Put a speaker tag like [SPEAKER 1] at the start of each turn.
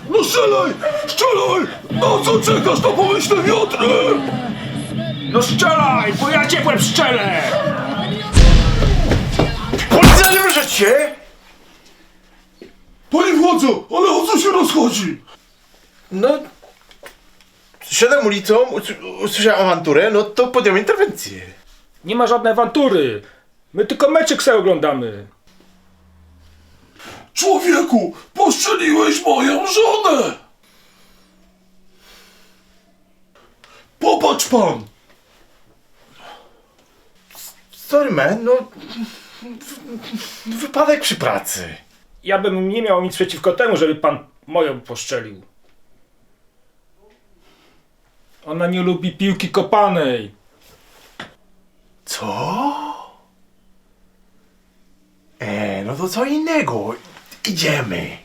[SPEAKER 1] No strzelaj! Strzelaj! No co czekasz na pomyślne wiatry?
[SPEAKER 2] No strzelaj, bo ja cię w łeb strzelę!
[SPEAKER 3] Policja, nie ruszać się!
[SPEAKER 1] Panie władzo, ale o co się rozchodzi?
[SPEAKER 3] No... Szedłem ulicą, usłyszałem awanturę, no to podjąłem interwencję.
[SPEAKER 2] Nie ma żadnej awantury. My tylko meczek sobie oglądamy.
[SPEAKER 1] Człowieku, postrzeliłeś moją żonę! Popatrz pan!
[SPEAKER 3] Sorry man, no... Wypadek przy pracy.
[SPEAKER 2] Ja bym nie miał nic przeciwko temu, żeby pan moją postrzelił. Ona nie lubi piłki kopanej.
[SPEAKER 3] Co? No to co innego. Idziemy.